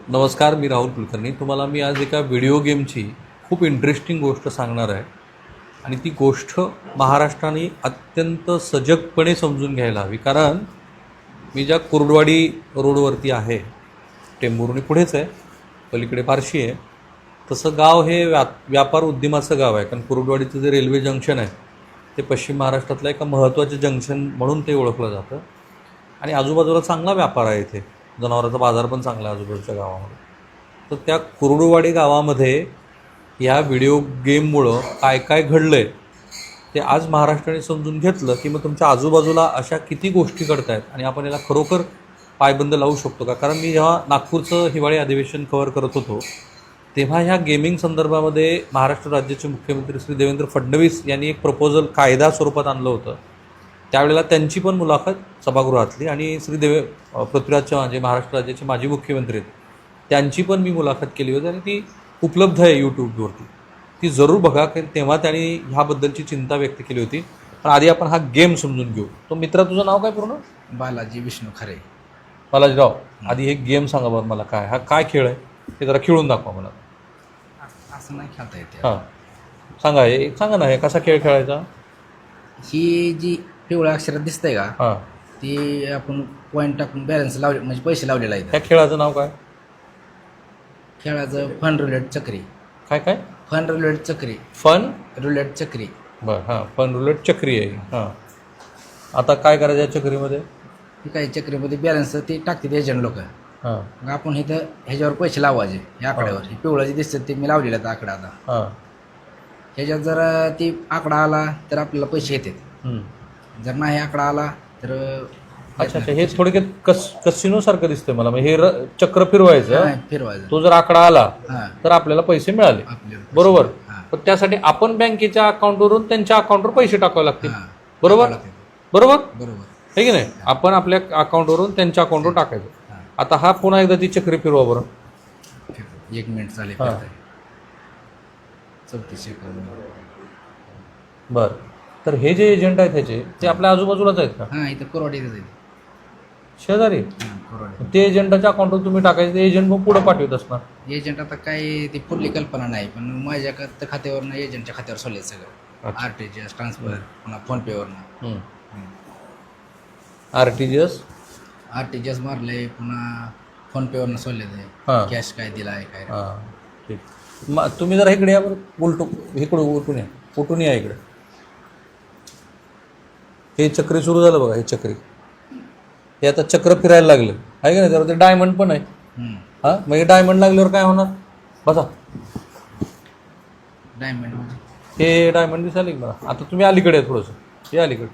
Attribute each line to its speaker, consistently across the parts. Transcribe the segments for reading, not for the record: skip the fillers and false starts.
Speaker 1: नमस्कार, मी राहुल कुलकर्णी. तुम्हाला मी आज एका व्हिडिओ गेमची खूप इंटरेस्टिंग गोष्ट सांगणार आहे आणि ती गोष्ट महाराष्ट्राने अत्यंत सजगपणे समजून घ्यायला हवी. कारण मी ज्या कुर्डवाडी रोडवरती आहे, टेंभुर्णी पुढेच आहे, पलीकडे बार्शी आहे, तसं गाव हे व्यापार उद्यमाचं गाव आहे. कारण कुर्डवाडीचं जे रेल्वे जंक्शन आहे ते पश्चिम महाराष्ट्रातलं एका महत्त्वाचं जंक्शन म्हणून ते ओळखलं जातं आणि आजूबाजूला चांगला व्यापार आहे. इथे जनावरांचा बाजार पण चांगला आहे आजूबाजूच्या गावामध्ये. तर त्या कुर्डुवाडी गावामध्ये या व्हिडिओ गेममुळं काय काय घडलं आहे ते आज महाराष्ट्राने समजून घेतलं की मग तुमच्या आजूबाजूला अशा किती गोष्टी घडत आहेत आणि आपण याला खरोखर पायबंद लावू शकतो का. कारण मी जेव्हा नागपूरचं हिवाळी अधिवेशन कव्हर करत होतो तेव्हा ह्या गेमिंग संदर्भामध्ये महाराष्ट्र राज्याचे मुख्यमंत्री श्री देवेंद्र फडणवीस यांनी एक प्रपोजल कायदा स्वरूपात आणलं होतं. त्यावेळेला त्यांची पण मुलाखत सभागृहातली आणि पृथ्वीराज चव्हाण जे महाराष्ट्र राज्याचे माजी मुख्यमंत्री आहेत त्यांची पण मी मुलाखत केली होती आणि ती उपलब्ध आहे यूट्यूबवरती. ती जरूर बघा, कारण तेव्हा त्यांनी ह्याबद्दलची चिंता व्यक्त केली होती. पण आधी आपण हा गेम समजून घेऊ. तो मित्रा, तुझं नाव काय पूर्ण?
Speaker 2: बालाजी विष्णू खरे.
Speaker 1: बालाजीराव, आधी हे गेम सांगा बरं मला, काय हा काय खेळ आहे ते जरा खेळून दाखवा मला.
Speaker 2: असं नाही खेळता येते.
Speaker 1: हां, सांगा, हे सांगा ना, हे कसा खेळ खेळायचा.
Speaker 2: ही जी पिवळ्या अक्षरात दिसतंय का,
Speaker 1: हां,
Speaker 2: ती आपण पॉईंट टाकून बॅलन्स लावले म्हणजे पैसे लावलेला आहे.
Speaker 1: त्या खेळाचं नाव काय?
Speaker 2: खेळाचं फन रुलेट चक्री.
Speaker 1: काय काय?
Speaker 2: फन रुलेट चक्री.
Speaker 1: फन
Speaker 2: रुलेट चक्री.
Speaker 1: बरं, हां, फन रुलेट चक्री आहे. हां, आता काय करायचं या चक्रीमध्ये?
Speaker 2: ही काही चक्रीमध्ये बॅलन्स ते टाकतात एजंट लोक.
Speaker 1: हां
Speaker 2: मग आपण इथं ह्याच्यावर पैसे लावायचे. ह्या आकड्यावर हे पिवळं जे दिसतं ते मी लावलेलं आहे आकडा. आता
Speaker 1: हां,
Speaker 2: ह्याच्यात जर ती आकडा आला तर आपल्याला पैसे येतात. जर नाही आकडा आला तर
Speaker 1: अच्छा अच्छा, हे थोडक्यात कसिनोसारखं दिसतंय मला. म्हणजे हे चक्र फिरवायचं,
Speaker 2: फिरवायचं.
Speaker 1: तो जर आकडा आला
Speaker 2: हां,
Speaker 1: तर आपल्याला पैसे मिळाले,
Speaker 2: आपल्याला
Speaker 1: बरोबर.
Speaker 2: हां,
Speaker 1: पण त्यासाठी आपण बँकेच्या अकाउंटवरून त्यांच्या अकाउंटवर पैसे टाकावे लागतील,
Speaker 2: हां,
Speaker 1: बरोबर बरोबर
Speaker 2: बरोबर.
Speaker 1: आहे की नाही. आपण आपल्या अकाउंटवरून त्यांच्या अकाउंटवर टाकायचं.
Speaker 2: हां.
Speaker 1: आता हा पुन्हा एकदा ती चक्री फिरवा बरं.
Speaker 2: 1 मिनिट चालेल.
Speaker 1: हां.
Speaker 2: 34 सेकंद.
Speaker 1: बरं, तर हे जे एजंट आहेत ह्याचे ते आपल्या आजूबाजूलाच आहेत का?
Speaker 2: हां, इथं कोरवाडीतच आहे.
Speaker 1: शेजारी?
Speaker 2: हां, कोरवाडी.
Speaker 1: ते एजंटाच्या अकाउंटवर तुम्ही टाकायचं, ते एजंट मग पुढं पाठवत असणार.
Speaker 2: एजंट आता काय ती पुरली कल्पना नाही, पण माझ्या खात्यावरनं एजंटच्या खात्यावर सोडले सगळं.
Speaker 1: अच्छा.
Speaker 2: RTGS ट्रान्सफर, पुन्हा फोनपेवरनं
Speaker 1: RTGS
Speaker 2: RTGS मारले, पुन्हा फोनपेवरनं सोडले ते.
Speaker 1: हां
Speaker 2: कॅश काय दिला आहे काय.
Speaker 1: हां, ठीक. मग तुम्ही जरा इकडे या बरं, इकडं उलटून या, उलटून या इकडे. हे चक्री सुरू झालं बघा, हे चक्री, हे आता चक्र फिरायला लागलं आहे का नाही. त्यावर ते डायमंड पण आहे. हां, मग हे डायमंड लागल्यावर काय होणार? बसा,
Speaker 2: डायमंड म्हणजे
Speaker 1: हे डायमंड दिसायला की मला. आता तुम्ही अलीकडे आहे थोडंसं, हे अलीकडे.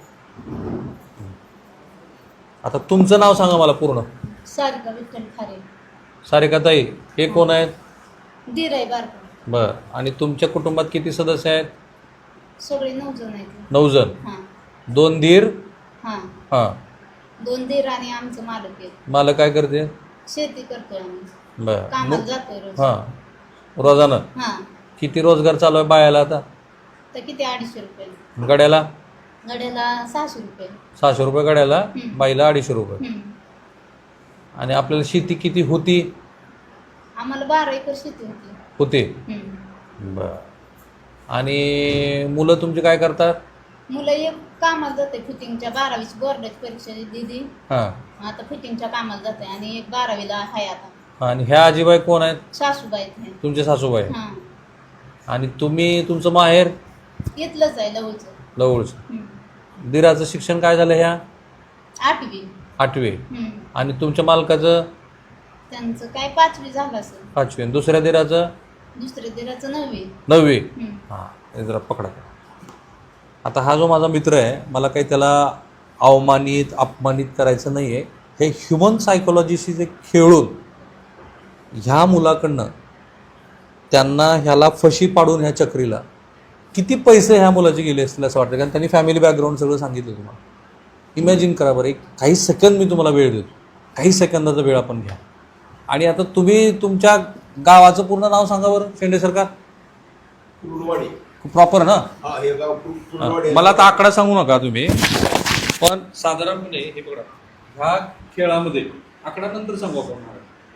Speaker 1: आता तुमचं नाव सांगा मला पूर्ण.
Speaker 3: सारिका विठ्ठल खारे.
Speaker 1: सारिकाताई, हे कोण आहेत?
Speaker 3: दीर आहे बारका.
Speaker 1: बरं, आणि तुमच्या कुटुंबात किती सदस्य आहेत?
Speaker 3: सगळे 9 जण आहेत.
Speaker 1: 9 जण.
Speaker 3: हां
Speaker 1: 2 दीर.
Speaker 3: हां,
Speaker 1: हां,
Speaker 3: 2 दीर आणि आमचं मालक आहे.
Speaker 1: मला काय करते?
Speaker 3: शेती करतोय आम्ही,
Speaker 1: बरं.
Speaker 3: कामाला जातोय रोज.
Speaker 1: हां, रोजानं
Speaker 3: हां,
Speaker 1: किती रोजगार चालू आहे बायाला आता?
Speaker 3: तर किती 250 रुपये
Speaker 1: गड्याला?
Speaker 3: गड्याला 600 रुपये.
Speaker 1: 600 रुपये गड्याला,
Speaker 3: हं.
Speaker 1: बाईला 250 रुपये.
Speaker 3: हं.
Speaker 1: आणि आपल्याला शेती किती होती?
Speaker 3: आम्हाला 12 एकर शेती होती.
Speaker 1: होते.
Speaker 3: हं.
Speaker 1: बरं. आणि मुलं तुमची काय करतात?
Speaker 3: मुलं एक कामाला जाते, फिटिंगच्या 12वीची बोर्डाची परीक्षा दिली,
Speaker 1: हां,
Speaker 3: आता फिटिंगच्या कामाला जाते. आणि एक 12वीला आहे आता.
Speaker 1: आणि ह्या आजीबाई कोण आहेत?
Speaker 3: सासूबाई आहेत.
Speaker 1: तुमचे सासूबाई.
Speaker 3: हां,
Speaker 1: आणि तुम्ही, तुमचं माहेर?
Speaker 3: इथलंच आहे लवचं.
Speaker 1: जवळचं.
Speaker 3: हं.
Speaker 1: दिराचं शिक्षण काय झालं? ह्या
Speaker 3: 8वी.
Speaker 1: 8वी.
Speaker 3: हं.
Speaker 1: आणि तुमच्या मालकाचं?
Speaker 3: त्यांचं काय 5वी झालं असेल.
Speaker 1: 5वी. आणि दुसऱ्या दिराचं?
Speaker 3: दुसऱ्या दिराचं 9वी.
Speaker 1: 9वी.
Speaker 3: हं.
Speaker 1: हां, हे जरा पकडा. आता हा जो माझा मित्र आहे, मला काही त्याला अवमानित अपमानित करायचं नाही आहे. हे ह्युमन सायकोलॉजीशी जे खेळून ह्या मुलाकडनं त्यांना ह्याला फशी पाडून ह्या चक्रीला किती पैसे ह्या मुलाचे गेले असतील असं वाटतं. कारण त्यांनी फॅमिली बॅकग्राऊंड सगळं सांगितलं तुम्हाला. इमॅजिन करा बरं, एक काही सेकंद मी तुम्हाला वेळ देतो, काही सेकंदाचा वेळ आपण घ्या. आणि आता तुम्ही तुमच्या गावाचं पूर्ण नाव सांगा बरं, शेंडे सरकार.
Speaker 4: कुर्डवाडी.
Speaker 1: प्रॉपर ना?
Speaker 4: हा, हे गाव कुर्डवाडी.
Speaker 1: मला आता आकडा सांगू नका तुम्ही, पण साधारणपणे हे बघा, ह्या खेळामध्ये आकडा नंतर सांगू आपण.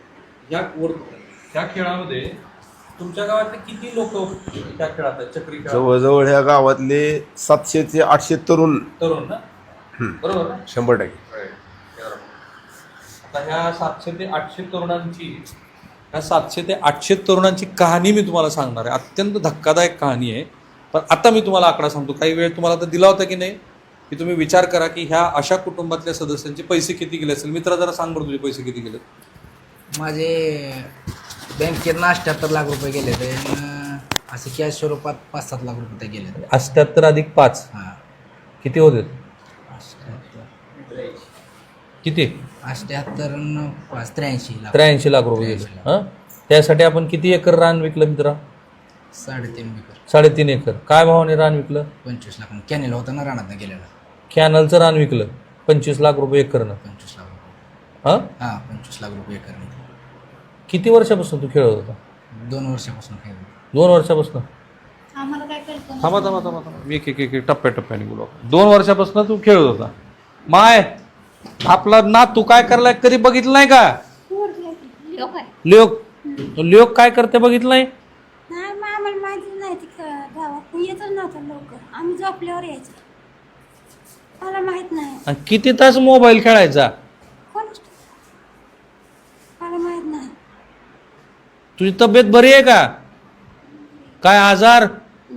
Speaker 1: ह्या खेळामध्ये तुमच्या गावातले किती लोक त्या खेळात आहेत, चक्री खेळात?
Speaker 4: जवळजवळ ह्या गावातले 700 ते 800 तरुण.
Speaker 1: तरुण ना, बरोबर ना?
Speaker 4: 100%.
Speaker 1: आता ह्या 700 ते 800 तरुणांची ह्या 700 ते 800 तरुणांची कहाणी मी तुम्हाला सांगणार आहे. अत्यंत धक्कादायक कहाणी आहे. पण आता मी तुम्हाला आकडा सांगतो. काही वेळ तुम्हाला तर दिला होता की नाही, की तुम्ही विचार करा की ह्या अशा कुटुंबातल्या सदस्यांचे पैसे किती गेले असेल. मित्रा जरा सांग बरं, तुझे पैसे किती गेले?
Speaker 2: माझे बँकेत 78 लाख रुपये गेले ते, असे कॅश स्वरूपात 5-7 लाख रुपये गेले.
Speaker 1: 78 अधिक 5
Speaker 2: हां,
Speaker 1: किती होते?
Speaker 2: 78
Speaker 1: किती?
Speaker 2: 78 न 5 83 लाख.
Speaker 1: 83 लाख रुपये गेले. हां, त्यासाठी आपण किती एकर रान विकलं मित्रा?
Speaker 2: 3.5 एकर.
Speaker 1: 3.5 एकर. काय भावाने रान विकलं?
Speaker 2: 25 लाख. कॅनेल होता ना रानात गेलेला.
Speaker 1: कॅनलचं रान विकलं 25 लाख रुपये एकरनं.
Speaker 2: 25 लाख रुपये.
Speaker 1: हां,
Speaker 2: 25 लाख रुपये एकर.
Speaker 1: किती वर्षापासून तू खेळत होता?
Speaker 2: 2 वर्षापासून खेळ.
Speaker 1: 2 वर्षापासून?
Speaker 3: आम्हाला काय कळतं
Speaker 1: थांबा. एक टप्प्याटप्प्याने बोलू. 2 वर्षापासून तू खेळत होता. माय, आपला ना तू काय करलाय कधी बघितलं नाही का?
Speaker 3: लोक आहे.
Speaker 1: लोक काय करते बघितलं नाही?
Speaker 5: नाही मग आम्हाला माहिती नाही ती गावात येतच नव्हतं लवकर. आम्ही झोपल्यावर यायचो. मला माहित नाही.
Speaker 1: आणि किती तास मोबाईल खेळायचा?
Speaker 5: कोण मला माहित नाही.
Speaker 1: तुझी तब्येत बरी आहे का? काय आजार?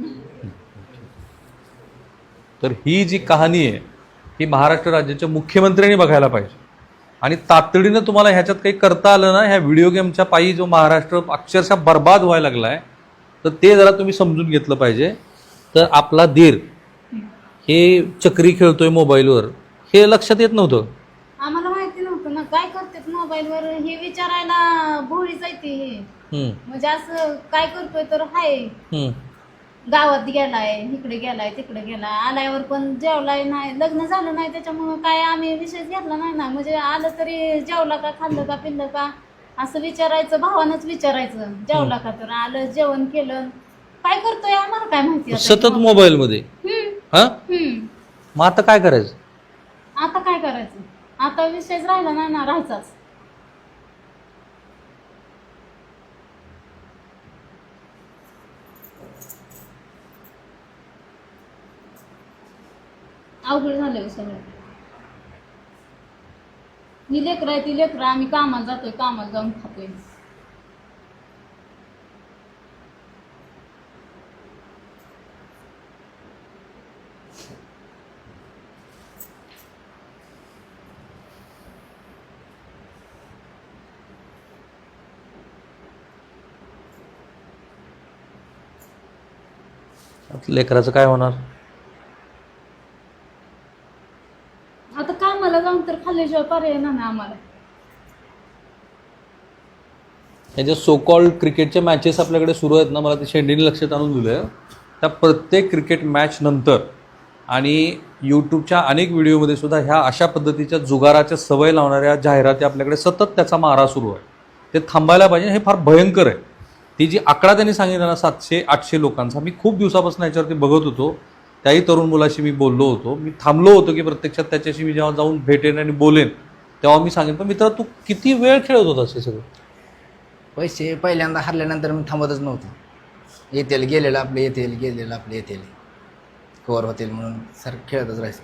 Speaker 1: तर ही जी कहाणी आहे ही महाराष्ट्र राज्याच्या मुख्यमंत्र्यांनी बघायला पाहिजे. आणि तातडीनं तुम्हाला ह्याच्यात काही करता आलं ना, ह्या व्हिडिओ गेमच्या पायी जो महाराष्ट्र अक्षरशः बर्बाद व्हायला लागला आहे, तर ते जरा तुम्ही समजून घेतलं पाहिजे. तर आपला धीर हे चक्री खेळतोय मोबाईलवर हे लक्षात येत नव्हतं.
Speaker 3: आम्हाला माहिती नव्हतं ना काय करतात मोबाईलवर हे विचारायला भोळीच आहे ती हे. म्हणजे असं काय करतोय तर हाय गावात गेलाय, इकडे गेलाय, तिकडे गेलाय, आल्यावर पण जेवलाय नाही, लग्न झालं नाही त्याच्यामुळं काय आम्ही विषय घेतला नाही ना. म्हणजे आलं तरी जेवला का, खाल्लं का, पिल्लं का असं विचारायचं, भावानंच विचारायचं. जेवला का, तर आलं, जेवण केलं, काय करतोय आम्हाला काय माहिती आता.
Speaker 1: सतत मोबाईल मध्ये. हा, मग आता काय करायचं?
Speaker 3: आता काय करायचं? आता विषयच राहिला नाही ना, राहायचाच. अवघड झालं सगळं. ही लेकरं आहे, ती लेकरं आम्ही कामाला जातोय, कामाला जाऊन खातोय.
Speaker 1: लेकराचं काय होणार?
Speaker 3: आता कामाला जाऊन तर खाल्ल्याशिवाय पर्याय नाही आम्हाला.
Speaker 1: हे जे सो कॉल्ड क्रिकेटच्या मॅचेस आपल्याकडे सुरू आहेत ना, मला ते शेंडीने लक्षात आणून दिलं. त्या प्रत्येक क्रिकेट मॅच नंतर आणि यूट्यूबच्या अनेक व्हिडिओमध्ये सुद्धा ह्या अशा पद्धतीच्या जुगाराच्या सवय लावणाऱ्या जाहिराती आपल्याकडे सतत त्याचा मारा सुरू आहे. ते थांबायला पाहिजे. हे फार भयंकर आहे. ती जी आकडा त्यांनी सांगितला ना 700-800 लोकांचा, मी खूप दिवसापासून याच्यावरती बघत होतो. त्याही तरुण मुलाशी मी बोललो होतो. मी थांबलो होतो की प्रत्यक्षात त्याच्याशी मी जेव्हा जाऊन भेटेन आणि बोलेन तेव्हा मी सांगेन. पण मित्रा, तू किती वेळ खेळत होतास हे सगळं?
Speaker 2: पैसे पहिल्यांदा हरल्यानंतर मी थांबतच नव्हतो. येतील गेलेलं आपले येतील, गेलेलं आपले येतील, कवर होतील म्हणून सर खेळतच राहायचं.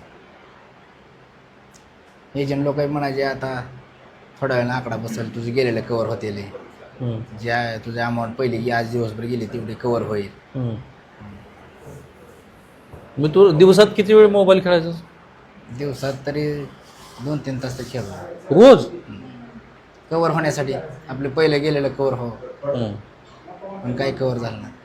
Speaker 2: एजंट लोक म्हणायचे आता थोड्या वेळानं आकडा बसेल, तुझे गेलेलं कवर होतील, ज्या तुझ्या अमाऊंट पहिली की आज दिवसभर गेली तेवढी कवर होईल.
Speaker 1: मग तू दिवसात किती वेळ मोबाईल खेळायचा?
Speaker 2: दिवसात तरी 2-3 तास तर खेळलो
Speaker 1: रोज.
Speaker 2: कवर होण्यासाठी. आपले पहिले गेलेलं कवर हो, पण काही कवर झालं नाही.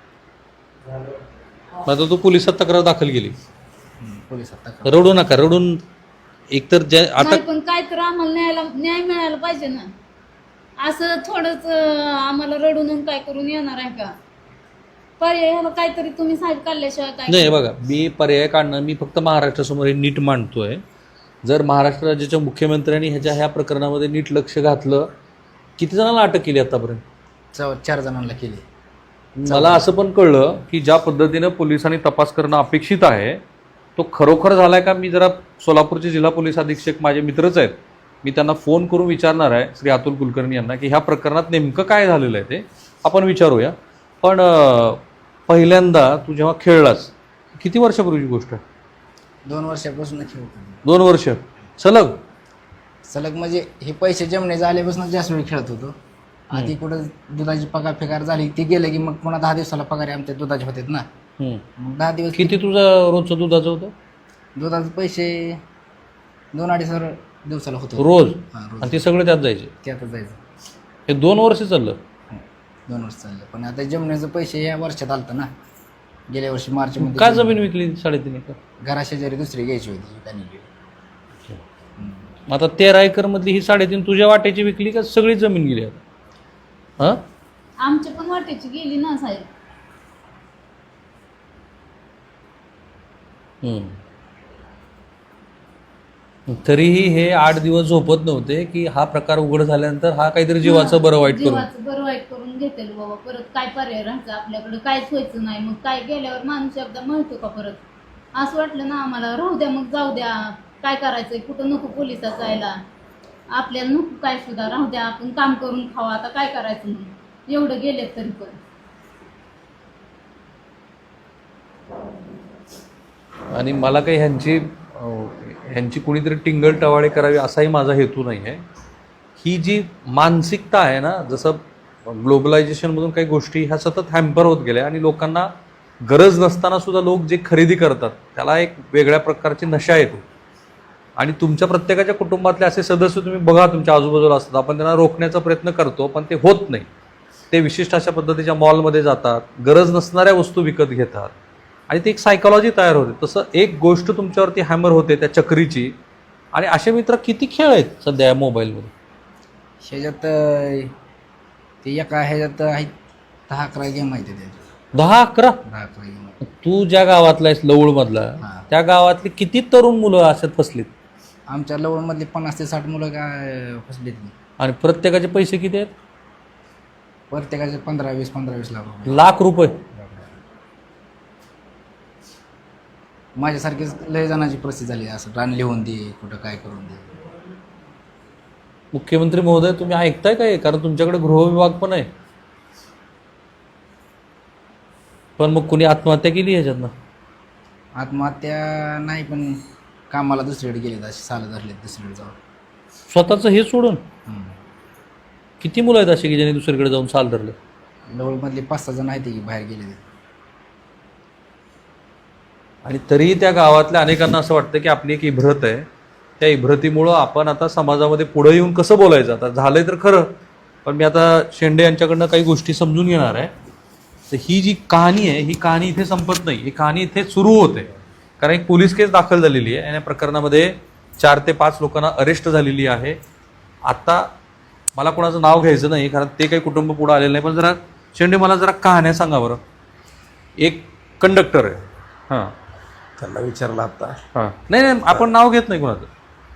Speaker 1: मग आता तू पोलिसात तक्रार दाखल केली.
Speaker 2: पोलिसात तक्रार.
Speaker 1: रडू नका. रडून एकतर आता
Speaker 3: नाही, पण काय तर आम्हाला न्याय मिळायला पाहिजे ना. असं थोडंच आम्हाला रडून काय करून येणार आहे का? पर्याय ह्याला काहीतरी तुम्ही साहेब काढल्याशिवाय काय
Speaker 1: नाही. बघा, मी पर्याय काढणं, मी फक्त महाराष्ट्रासमोर हे नीट मांडतोय. जर महाराष्ट्र राज्याच्या मुख्यमंत्र्यांनी ह्या प्रकरणामध्ये नीट लक्ष घातलं. किती जणांना अटक केली आतापर्यंत?
Speaker 2: 4 जणांना केली.
Speaker 1: मला असं पण कळलं की ज्या पद्धतीनं पोलिसांनी तपास करणं अपेक्षित आहे तो खरोखर झालाय का? मी जरा सोलापूरचे जिल्हा पोलीस अधीक्षक माझे मित्रच आहेत, मी त्यांना फोन करून विचारणार आहे श्री अतुल कुलकर्णी यांना की ह्या प्रकरणात नेमकं काय झालेलं आहे ते आपण विचारूया. पण पहिल्यांदा तू जेव्हा खेळलास किती वर्षापूर्वीची गोष्ट आहे?
Speaker 2: 2 वर्षापासून खेळतो.
Speaker 1: 2 वर्ष सलग?
Speaker 2: सलग म्हणजे हे पैसे जमणे झाल्यापासून जास्त वेळ खेळत होतो. आधी कुठं दुधाची पगार फेकार झाली ती गेलं की मग पुन्हा 10 दिवसाला पगार आमच्या दुधाचे होतात ना. मग 10 दिवस
Speaker 1: किती तुझं रोजचं दुधाचं होतं?
Speaker 2: दुधाचे पैसे 2-2.5 हजार दिवसाला होतो
Speaker 1: रोज?
Speaker 2: हां रोज.
Speaker 1: आणि ते सगळे त्यात जायचे?
Speaker 2: त्यातच जायचं.
Speaker 1: हे 2 वर्ष चाललं?
Speaker 2: 2 वर्ष चाललं. पण आता जमण्याचं पैसे या वर्षात आलतं ना, गेल्या वर्षी मार्च मध्ये.
Speaker 1: का जमीन विकली 3.5 एकर?
Speaker 2: घराशेजारी दुसरी घ्यायची होती त्यांनी.
Speaker 1: मग आता 13 एकर मधली ही 3.5 तुझ्या वाट्याची विकली का सगळी जमीन गेली आता? हां
Speaker 3: आमच्या पण वाटेची गेली ना साहेब.
Speaker 1: तरीही हे 8 दिवस झोपत नव्हते की हा प्रकार उघड झाल्यानंतर हा काहीतरी जीवाचं बरं वाईट करून.
Speaker 3: जीवाचं बरं वाईट करून घेतेल बाबा. परत काय पर्याय राहायचं आपल्याकडे, काहीच व्हायचं नाही. मग काय गेल्यावर माणूस एकदा म्हणतो का परत? असं वाटलं ना आम्हाला, राहू द्या मग, जाऊ द्या, काय करायचंय, कुठं नको पोलिसात जायला, आपल्याला नको काय सुद्धा, राहू द्या, आपण काम करून खावा, आता काय करायचं म्हणून एवढं गेलेत तरी पण.
Speaker 1: आणि मला काही ह्यांची कुणीतरी टिंगल टवाळे करावी असाही माझा हेतू नाही आहे. ही जी मानसिकता आहे ना, जसं ग्लोबलायझेशनमधून काही गोष्टी ह्या सतत हॅम्पर होत गेल्या आणि लोकांना गरज नसताना सुद्धा लोक जे खरेदी करतात त्याला एक वेगळ्या प्रकारची नशा येते. आणि तुमच्या प्रत्येकाच्या कुटुंबातले असे सदस्य तुम्ही बघा तुमच्या आजूबाजूला असतात, आपण त्यांना रोखण्याचा प्रयत्न करतो पण ते होत नाही. ते विशिष्ट अशा पद्धतीच्या मॉलमध्ये जातात, गरज नसणाऱ्या वस्तू विकत घेतात आणि ती एक सायकॉलॉजी तयार होते. तसं एक गोष्ट तुमच्यावरती हॅमर होते त्या चक्रीची. आणि असे मित्र किती खेळ आहेत सध्या या मोबाईलमध्ये?
Speaker 2: ह्याच्यात ते एका ह्याच्यात आहेत 10-11 गेम आहेत त्याच्यात.
Speaker 1: 10-11?
Speaker 2: 10-11 गेम.
Speaker 1: तू ज्या गावातला आहेस लवळमधला,
Speaker 2: हां.
Speaker 1: त्या गावातली किती तरुण मुलं अशात फसलीत?
Speaker 2: आमच्या लवणमधली 50 ते 60 मुलं काय फसलीत.
Speaker 1: आणि प्रत्येकाचे पैसे किती आहेत?
Speaker 2: प्रत्येकाचे 15-20 लाख रुपये.
Speaker 1: लाख रुपये?
Speaker 2: माझ्यासारखीच लय जणांची परिस्थिती झाली. असं रान लिहून दे, कुठं काय करून दे.
Speaker 1: मुख्यमंत्री महोदय तुम्ही ऐकताय काय? कारण तुमच्याकडे गृहविभाग पण आहे. पण मग कुणी आत्महत्या केली ह्याच्यातनं?
Speaker 2: आत्महत्या नाही, पण कामाला दुसरीकडे गेलेत, असे सालं धरलेत दुसरीकडे जाऊन.
Speaker 1: स्वतःचं हे सोडून? किती मुलं आहेत अशी की ज्यांनी दुसरीकडे जाऊन साल धरले?
Speaker 2: लवळमधले 5-6 जण आहेत की बाहेर गेले.
Speaker 1: आणि तरीही त्या गावातल्या अनेकांना असं वाटतं की आपली एक इब्रत आहे, त्या इब्रतीमुळं आपण आता समाजामध्ये पुढे येऊन कसं बोलायचं. आता झालंय तर खरं, पण मी आता शेंडे यांच्याकडनं काही गोष्टी समजून घेणार आहे. तर ही जी कहाणी आहे ही कहाणी इथे संपत नाही, ही कहाणी इथे सुरू होते. कारण एक पोलीस केस दाखल झालेली आहे आणि या प्रकरणामध्ये 4 ते 5 लोकांना अरेस्ट झालेली आहे. आता मला कोणाचं नाव घ्यायचं नाही कारण ते काही कुटुंब पुढं आलेलं नाही, पण जरा शेंडे मला जरा कहाण्या सांगा बरं. एक कंडक्टर आहे, हां,
Speaker 4: त्यांना विचारलं आता.
Speaker 1: हां, नाही आपण नाव घेत नाही कोणाचं.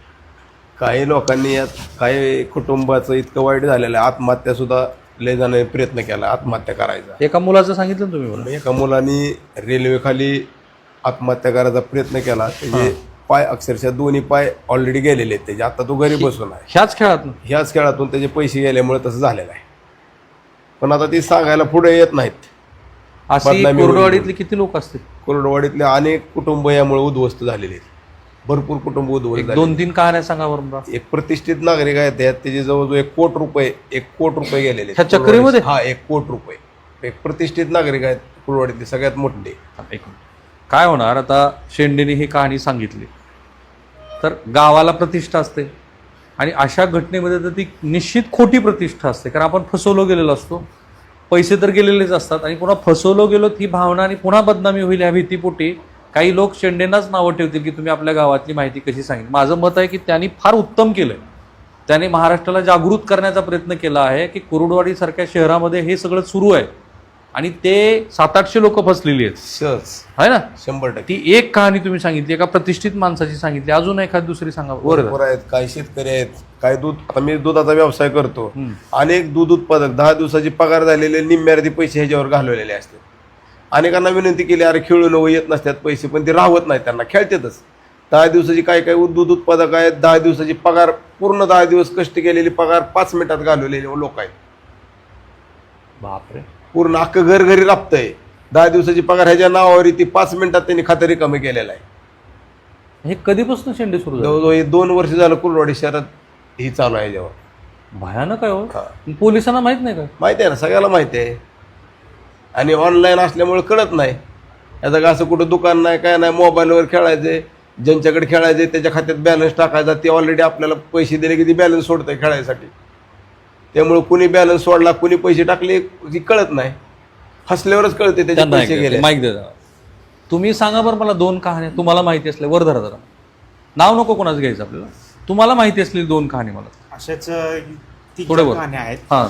Speaker 4: काही लोकांनी यात काही कुटुंबाचं इतकं वाईट झालेलं आहे, आत्महत्या सुद्धा लय जणांनी प्रयत्न केला आत्महत्या करायचा.
Speaker 1: एका मुलाचं सांगितलं ना तुम्ही मला.
Speaker 4: एका मुलांनी रेल्वेखाली आत्महत्या करायचा प्रयत्न केला. त्याचे पाय अक्षरशः दोन्ही पाय ऑलरेडी गेलेले आहेत त्याचे. आता तो घरी बसून आहे. ह्याच खेळातून त्याचे पैसे गेल्यामुळे तसं झालेलं आहे. पण आता ती सांगायला पुढे येत नाहीत.
Speaker 1: अशी कोरडवाडीतले किती लोक असतील?
Speaker 4: कोरडवाडीतले अनेक कुटुंब यामुळे उद्ध्वस्त झालेले आहेत. भरपूर कुटुंब उद्ध्वस्त झाले.
Speaker 1: 2-3 कहाण्या सांगा बरं.
Speaker 4: एक प्रतिष्ठित नागरिक आहेत त्याचे जवळजवळ 1 कोट रुपये गेलेले
Speaker 1: ह्या चक्रीमध्ये.
Speaker 4: हा 1 कोट रुपये. एक प्रतिष्ठित नागरिक आहेत कुरवाडीतले सगळ्यात मोठे.
Speaker 1: काय होणार आता? शेंडेने ही कहाणी सांगितली तर गावाला प्रतिष्ठा असते आणि अशा घटनेमध्ये तर ती निश्चित खोटी प्रतिष्ठा असते. कारण आपण फसवलो गेलेलो असतो, पैसे तर गेलेलेच असतात आणि पुन्हा फसवलो गेलो ही भावना आणि पुन्हा बदनामी होईल ह्या भीतीपोटी काही लोक शेंडेंनाच नावं ठेवतील की तुम्ही आपल्या गावातली माहिती कशी सांगितली. माझं मत आहे की त्यांनी फार उत्तम केलं आहे. त्याने महाराष्ट्राला जागृत करण्याचा प्रयत्न केला आहे की कुरुडवाडीसारख्या शहरामध्ये हे सगळं सुरू आहे आणि ते 700-800 लोक फसलेली आहेत. सहज आहे ना?
Speaker 4: 100%.
Speaker 1: ती एक कहाणी तुम्ही सांगितली, एका प्रतिष्ठित माणसाची सांगितली. अजून एखादी दुसरी सांगा.
Speaker 4: बरोबर आहेत. काही शेतकरी आहेत, काही दूध. आता मी दुधाचा व्यवसाय करतो. अनेक दूध उत्पादक 10 दिवसाची पगार झालेले निम्म्यार्धी पैसे ह्याच्यावर घालवलेले असतात. अनेकांना विनंती केली, अरे खेळून येत नसतात पैसे, पण ते राहत नाहीत, त्यांना खेळतातच. 10 दिवसाची काय काय दूध उत्पादक आहेत, 10 दिवसाची पगार, पूर्ण 10 दिवस कष्ट केलेली पगार 5 मिनिटात घालवलेले लोक आहेत.
Speaker 1: बापरे.
Speaker 4: पूर्ण अख्खं घर घरी राबतंय. 10 दिवसाची पगार ह्याच्या नावावर ती 5 मिनिटात त्यांनी खातं रिकामी केलेलं आहे.
Speaker 1: हे कधीपासून शेंडे सुरू झाले?
Speaker 4: जवळजवळ 2 वर्ष झालं कुलवाडी शहरात ही चालू आहे जेव्हा.
Speaker 1: भयानक आहे हो. पोलिसांना माहित नाही का?
Speaker 4: माहिती आहे ना, सगळ्याला माहिती आहे. आणि ऑनलाईन असल्यामुळे कळत नाही. याचं का असं कुठं दुकान नाही, काय नाही, मोबाईलवर खेळायचे, ज्यांच्याकडे खेळायचे त्याच्या खात्यात बॅलन्स टाकायचा, ते ऑलरेडी आपल्याला पैसे दिले की ती बॅलन्स सोडतंय खेळायसाठी. त्यामुळे कुणी बॅलन्स सोडला, कुणी पैसे टाकले ती कळत नाही. हसल्यावरच कळते त्याचे पैसे गेले.
Speaker 1: माहिती द्या. तुम्ही सांगा बरं मला 2 कहाण्या तुम्हाला माहिती असल्या, वर धरा जरा, नाव नको कोणाचं घ्यायचं आपल्याला, तुम्हाला माहिती असलेली 2 कहाणी मला.
Speaker 6: अशाच
Speaker 1: थोडं वर.
Speaker 6: कहाण्या आहेत.
Speaker 1: हां.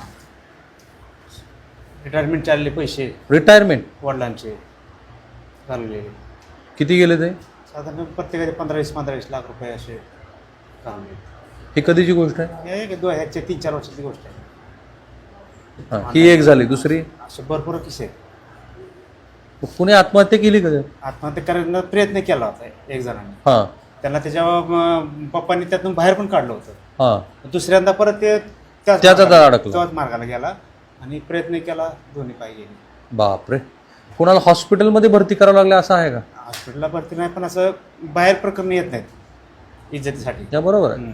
Speaker 6: रिटायरमेंट चालले पैसे
Speaker 1: रिटायरमेंट
Speaker 6: वडिलांचे घालवलेले,
Speaker 1: किती गेले ते?
Speaker 6: साधारण प्रत्येकाचे 15-20 लाख रुपये असे घालवले.
Speaker 1: ही कधीची गोष्ट आहे?
Speaker 6: हे 3-4 वर्षाची गोष्ट आहे.
Speaker 1: हां, ही एक झाली. दुसरी,
Speaker 6: असे भरपूर किस्से आहेत.
Speaker 1: कुणी आत्महत्या केली का?
Speaker 6: आत्महत्या करण्याचा प्रयत्न केला होता एक जणांनी.
Speaker 1: हां
Speaker 6: त्यांना त्याच्या पप्पांनी त्यातून बाहेर पण काढलं होतं.
Speaker 1: हां.
Speaker 6: दुसऱ्यांदा परत ते
Speaker 1: त्याचा अडकला.
Speaker 6: त्याच मार्गाला गेला आणि प्रयत्न केला, दोन्ही पाय गेले.
Speaker 1: बापरे. कुणाला हॉस्पिटलमध्ये भरती करावं लागलं असं आहे का?
Speaker 6: हॉस्पिटलला भरती नाही, पण असं बाहेर प्रकरण येत नाहीत इज्जतीसाठी.
Speaker 1: त्या बरोबर आहे.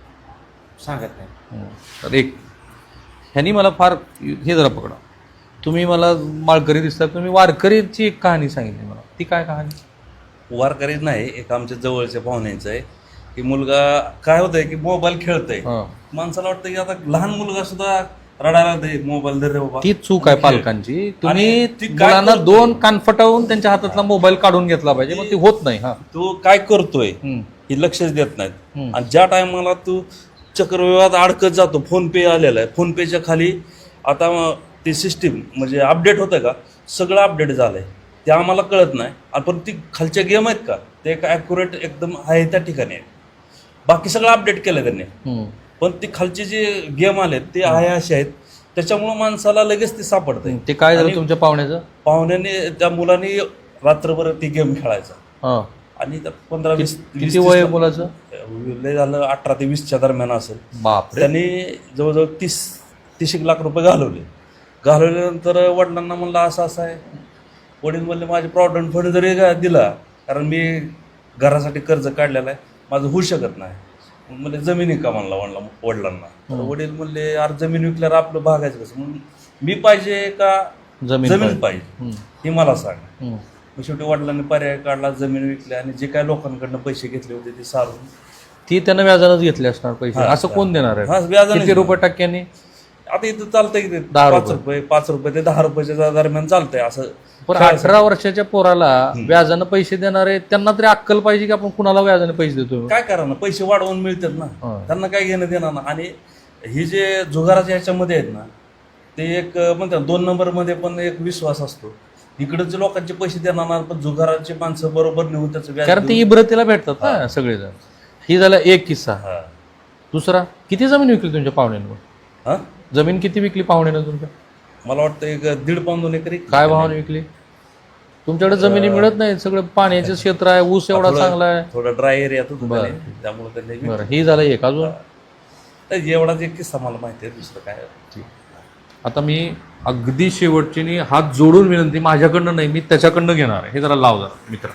Speaker 6: सांगत नाही.
Speaker 1: तर एक ह्यांनी मला फार हे जरा पकडा, तुम्ही मला माळकरी दिसतात, तुम्ही वारकरीची एक कहाणी सांगितली मला, ती काय कहाणी?
Speaker 7: वारकरी नाही, एक आमच्या जवळच्या पाहुण्यांचं आहे की मुलगा काय होतंय की मोबाईल खेळतंय. माणसाला वाटतं की आता लहान मुलगा सुद्धा रडायला दे, मोबाईल दे रे बाबा.
Speaker 1: ती चूक आहे पालकांची. तुम्ही मुलांना 2 कानफटावून त्यांच्या हातातला मोबाईल काढून घेतला पाहिजे, मग ती होत नाही. हा,
Speaker 7: तो काय करतोय हे लक्षच देत नाहीत. आणि ज्या टायमाला तू चक्रव्यूहात अडकत जातो, फोन पे आलेला आहे, फोन पेच्या खाली आता ती सिस्टीम म्हणजे अपडेट होतं का, सगळं अपडेट झालंय, ते आम्हाला कळत नाही. पण ती खालच्या गेम आहेत का, ते एक ॲक्युरेट एकदम आहे त्या ठिकाणी आहे. बाकी सगळं अपडेट केलं त्यांनी, पण ती खालचे जे गेम आलेत ते आहे असे आहेत, त्याच्यामुळं माणसाला लगेच ते सापडतंय.
Speaker 1: ते काय झालं तुमच्या पाहुण्याचं?
Speaker 7: पाहुण्याने त्या मुलांनी रात्रभर ती गेम खेळायचा आणि 15-20
Speaker 1: किती वय आहे मुलाचं?
Speaker 7: लय झालं 18 ते 20च्या दरम्यान असेल.
Speaker 1: बापरे.
Speaker 7: त्यांनी जवळजवळ 30 लाख रुपये घालवल्यानंतर वडिलांना म्हणलं असं असं आहे. वडील म्हणले माझे प्रॉव्हिडंट फंड जरी दिला, कारण मी घरासाठी कर्ज काढलेलं आहे, माझं होऊ शकत नाही. म्हणजे जमिनी का म्हणला वडिलांना. तर वडील म्हणले यार जमीन विकल्यावर आपलं भागायचं कसं, म्हणून मी पाहिजे का जमीन पाहिजे हे मला सांग. मग शेवटी वडिलांनी पर्याय काढला, जमीन विकली आणि जे काय लोकांकडनं पैसे घेतले होते ते सारून
Speaker 1: ती त्यांना व्याजानंच घेतले असणार पैसे. असं कोण देणार आहे?
Speaker 7: व्याजाने.
Speaker 1: किती रुपये टक्क्यांनी?
Speaker 7: आता इथं चालतंय की 5 रुपये ते 10 रुपयाच्या दरम्यान चालतंय असं.
Speaker 1: पण 18 वर्षाच्या पोराला व्याजानं पैसे देणारे त्यांना तरी अक्कल पाहिजे की आपण कुणाला व्याजाने पैसे देतो.
Speaker 7: काय करा ना, पैसे वाढवून मिळतात ना, त्यांना काय घेणं देणार ना. आणि ही जे जुगाराच्या ह्याच्यामध्ये आहेत ना, ते एक म्हणतात 2 नंबरमध्ये पण एक विश्वास असतो. इकडचे लोकांचे पैसे देणार ना, पण जुगाराचे माणसं बरोबर नेऊन त्याचं व्याज,
Speaker 1: कारण ते इब्रतीला भेटतात ना सगळेजण. ही झाला एक किस्सा. दुसरा, किती जमीन विकली तुमच्या पाहुण्यानं? जमीन किती विकली पाहुण्यानं तुमच्या?
Speaker 7: मला वाटतं 1.5-2 एकरी.
Speaker 1: काय भावाने विकली? तुमच्याकडे जमिनी मिळत नाही, सगळं पाण्याचं क्षेत्र आहे, ऊस एवढा चांगला आहे,
Speaker 7: थोडा ड्राय एरिया त्यामुळे त्यांनी.
Speaker 1: बरं, ही झालं एक. अजून
Speaker 7: एवढाच एक किस्सा मला माहिती आहे, दुसरं काय.
Speaker 1: आता मी अगदी शेवटची हात जोडून विनंती, माझ्याकडनं नाही, मी त्याच्याकडनं घेणार आहे. हे जरा लाव जरा मित्र.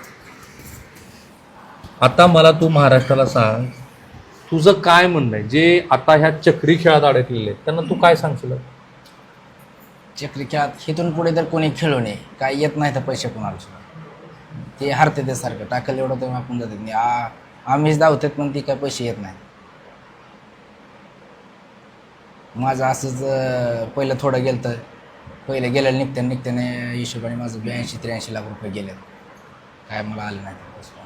Speaker 1: आता मला तू महाराष्ट्राला सांग, तुझं काय म्हणणं आहे जे आता ह्या चक्री खेळात अडकलेले आहेत त्यांना तू काय सांगशील?
Speaker 2: चक्री खेळात इथून पुढे तर कोणी खेळू नये, काय येत नाही तर पैसे कोणाला सुद्धा, ते हरते ते सारखं टाकलं एवढं तर आपण जातात नाही. आम्हीच धावतात पण ती काय पैसे येत नाही. माझं असंच पहिलं थोडं गेलं तर पहिलं गेलं निघत्याने हिशोबाने माझं 82-83 लाख रुपये गेले, काय मला आले नाही.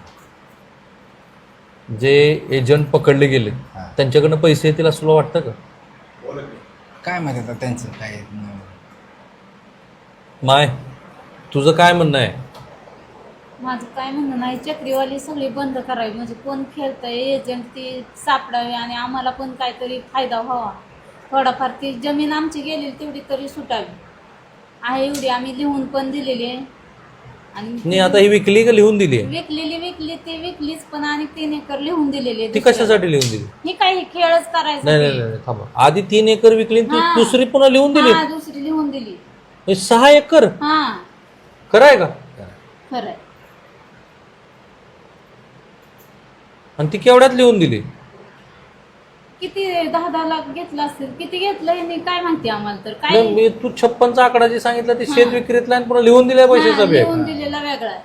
Speaker 1: जे एजंट पकडले गेले त्यांच्याकडनं पैसे येतील असं तुला वाटतं का?
Speaker 2: काय माहिती आता त्यांचं काय.
Speaker 1: माय, तुझं काय म्हणणं आहे?
Speaker 3: माझं काय म्हणणं नाही, चक्रीवाली सगळी बंद करावी, म्हणजे कोण खेळतंय एजंट ती सापडावी आणि आम्हाला पण काहीतरी फायदा व्हावा. थोडाफार ती जमीन आमची गेलेली तेवढी तरी सुटावी आहे, एवढी आम्ही लिहून पण दिलेली आहे. आणि
Speaker 1: नाही आता ही विकली का लिहून दिली आहे?
Speaker 3: विकली ती विकलीच, पण आणि 3 एकर लिहून दिलेली आहे
Speaker 1: ती
Speaker 3: दुसऱ्याला.
Speaker 1: कशासाठी लिहून दिली?
Speaker 3: ही काय हे खेळच करायचं
Speaker 1: नाही नाही
Speaker 3: ते.
Speaker 1: नाही थांबा, आधी 3 एकर विकली आणि ती
Speaker 3: हा.
Speaker 1: दुसरी पुन्हा लिहून दिली.
Speaker 3: हा, दुसरी लिहून दिली.
Speaker 1: हे 6 एकर
Speaker 3: हा
Speaker 1: खरं आहे का?
Speaker 3: खरंय.
Speaker 1: आणि ती केवढ्यात लिहून दिली?
Speaker 3: किती 10-10 लाख घेतलं असेल, किती घेतलं हे काय माहिती आम्हाला तर काय.
Speaker 1: नाही, मी तू 56चा आकडा जे सांगितलं ते शेत विक्रीतला आणि पुन्हा लिहून दिल्या पैशाचा बॅग.
Speaker 3: लिहून दिलेला वेगळा आहे.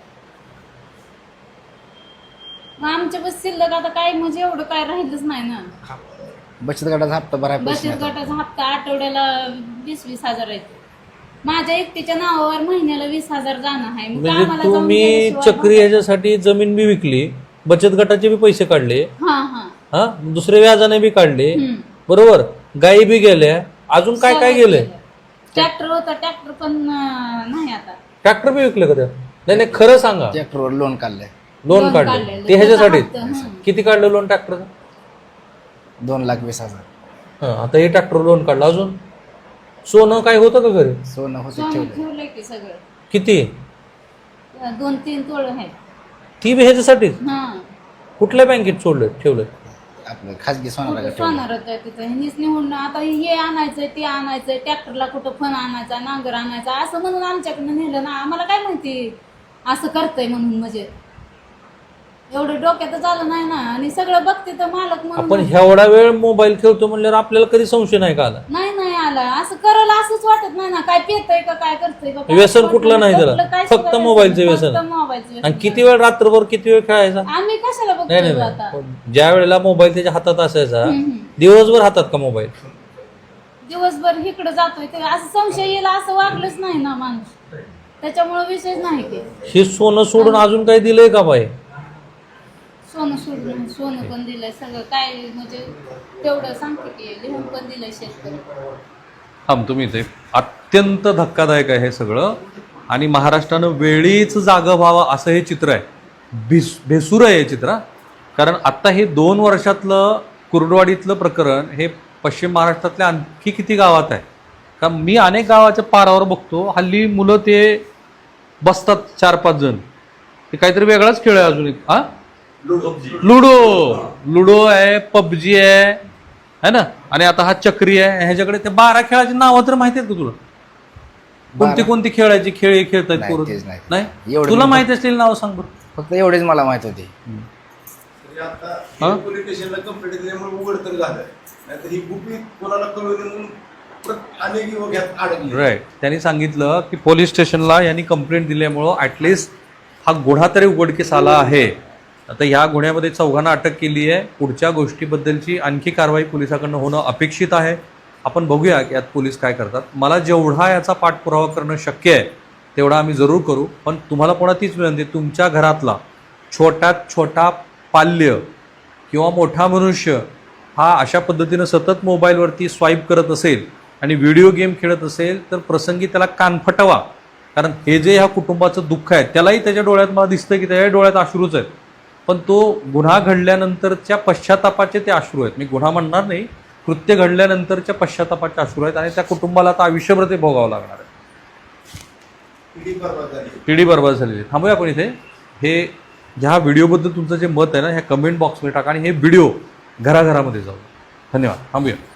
Speaker 3: मग आमच्या बस शिल्लक आता काय म्हणजे एवढं काय राहिलंच नाही ना.
Speaker 2: बचत गटाचा हप्ता भराय पैसे
Speaker 3: बचत
Speaker 2: नाही.
Speaker 3: गटाचा हप्ता आठवड्याला 20-20 हजार आहे. माझ्या एकटीच्या नावावर महिन्याला 20,000 जाणं आहे. मग
Speaker 1: म्हणजे
Speaker 3: आम्हाला जाऊन
Speaker 1: तुम्ही
Speaker 3: गेल्याशिवाय
Speaker 1: चक्री ह्याच्यासाठी जमीन बी विकली, बचत गटाचे बी पैसे काढले,
Speaker 3: हा हा
Speaker 1: हा दुसरे व्याजाने बी काढले,
Speaker 3: हम्म.
Speaker 1: बरोबर, गायी बी गेल्या, अजून काय काय गेलंय?
Speaker 3: ट्रॅक्टर होता, ट्रॅक्टर पण नाही आता.
Speaker 1: ट्रॅक्टर बी विकले का त्या? नाही नाही खरं सांगा.
Speaker 2: ट्रॅक्टरवर लोन काढलंय
Speaker 1: लोन
Speaker 3: लोन
Speaker 1: काढले
Speaker 3: काढलेलं.
Speaker 1: ते ह्याच्यासाठी?
Speaker 3: त्याचा हप्ता,
Speaker 1: किती काढलं लोन ट्रॅक्टरचं?
Speaker 2: 2,20,000.
Speaker 1: आता हे ट्रॅक्टर लोन काढलं. अजून सोनं काय होतं का घरी?
Speaker 2: सोनं होतं
Speaker 3: सोनं
Speaker 2: ठेवलं.
Speaker 3: ठेवलंय की सगळं.
Speaker 1: किती?
Speaker 3: 2-3 तोळ आहेत.
Speaker 1: ती बी ह्याच्यासाठी?
Speaker 3: हा
Speaker 1: कुठल्या बँकेत सोडलं ठेवलं?
Speaker 2: आपलं खाजगी सोनाला ठेवलं.
Speaker 3: सोनार होतं तिथं. ह्यांनीच निवडून आता हे आणायचंय ते आणायचंय, ट्रॅक्टरला कुठं फण आणायचा, नांगर आणायचा असं म्हणून आमच्याकडनं नेलं ना. आम्हाला काय माहिती असं करतंय म्हणून. म्हणजे एवढं डोक्यातच आलं नाही ना. आणि सगळं बघते तर मालक
Speaker 1: आपण
Speaker 3: म्हणून
Speaker 1: एवढा वेळ मोबाईल खेळतो म्हणल्यावर आपल्याला कधी संशय नाही का आला?
Speaker 3: नाही आला. असं करायला असंच वाटत नाही ना. काय पेतय का काय करतोय का काय
Speaker 1: व्यसन
Speaker 3: वाटत
Speaker 1: कुठलं नाही त्याला?
Speaker 3: कुठलं काय
Speaker 1: फक्त
Speaker 3: सुद्धा
Speaker 1: मोबाईलचं
Speaker 3: फक्त
Speaker 1: व्यसन.
Speaker 3: मोबाईलचं व्यसन.
Speaker 1: आणि किती वेळ रात्रभर किती वेळ खेळायचा?
Speaker 3: आम्ही कशाला
Speaker 1: नाही
Speaker 3: बघतोय
Speaker 1: नाही
Speaker 3: आता.
Speaker 1: नाही. ज्या वेळेला मोबाईल त्याच्या हातात असायचा,
Speaker 3: हम्म.
Speaker 1: दिवसभर हातात का मोबाईल?
Speaker 3: दिवसभर इकडे जातोय ते असं संशय येईल असं वागलंच नाही ना माणूस. त्याच्यामुळे विषयच नाही ते.
Speaker 1: हे सोनं सोडून अजून काही दिलंय का बाई?
Speaker 3: सोनं सोडून सोनं पण दिलंय सगळं काय म्हणजे तेवढं सांगते की लिहून पण दिलंय शेतकरी.
Speaker 1: तुम्ही इथे अत्यंत धक्कादायक आहे हे सगळं. आणि महाराष्ट्रानं वेळीच जागं व्हावं असं हे चित्र आहे. भेसूर आहे हे चित्र. कारण आत्ता हे 2 वर्षातलं कुर्डवाडीतलं प्रकरण हे पश्चिम महाराष्ट्रातल्या आणखी किती गावात आहे का? मी अनेक गावाच्या पारावर बघतो हल्ली मुलं ते बसतात 4-5 जण, ते काहीतरी वेगळाच खेळ आहे. अजून एक लुडो आहे, पबजी आहे ना, आणि आता हा चक्री आहे. ह्याच्याकडे ते 12 खेळाची नावं तर माहिती आहेत का तुला? कोणती खेळायची खेळ खेळतायत
Speaker 2: नाही,
Speaker 1: पोरं?
Speaker 2: तेच नाही.
Speaker 1: नाही
Speaker 2: एवढं
Speaker 1: तुला
Speaker 2: मी
Speaker 1: माहिती असलेली नावं सांग बरं.
Speaker 2: फक्त एवढेच मला माहित होते.
Speaker 1: हा?
Speaker 4: पोलीस स्टेशनला कंप्लेंट दिल्यामुळे उघड तर झालं, नाहीतर ही गुपित कोणाला कळवली म्हणून अनेक युवक यात अडकले.
Speaker 1: राईट. त्यांनी सांगितलं की पोलीस स्टेशनला यांनी कंप्लेंट दिल्यामुळं ॲटलिस्ट हा गुन्हा तरी उघडकीस आला आहे. आता ह्या गुन्ह्यामध्ये 4घांना अटक केली आहे. पुढच्या गोष्टीबद्दलची आणखी कारवाई पोलिसाकडनं होणं अपेक्षित आहे. आपण बघूया की यात पोलीस काय करतात. मला जेवढा याचा पाठपुरावा करणं शक्य आहे तेवढा आम्ही जरूर करू. पण तुम्हाला पुन्हा तीच विनंती, तुमच्या घरातला छोट्यात छोटा पाल्य किंवा मोठा मनुष्य हा अशा पद्धतीनं सतत मोबाईलवरती स्वाईप करत असेल आणि व्हिडिओ गेम खेळत असेल तर प्रसंगी त्याला कान फटवा. कारण हे जे ह्या कुटुंबाचं दुःख आहे त्यालाही त्याच्या डोळ्यात मला दिसतं की त्याच्या डोळ्यात अश्रूच आहेत. पण तो गुन्हा घडल्यानंतरच्या पश्चातापाचे ते अश्रू आहेत. मी गुन्हा म्हणणार नाही, कृत्य घडल्यानंतरच्या पश्चातापाचे अश्रू आहेत. आणि त्या कुटुंबाला आता आयुष्यभर ते भोगावं लागणार आहे. पिढी बर्बाद झालेली. थांबूया आपण इथे. हे ह्या व्हिडिओबद्दल तुमचं जे मत आहे ना ह्या कमेंट बॉक्समध्ये टाका आणि हे व्हिडिओ घराघरामध्ये जाऊ. धन्यवाद. थांबूया.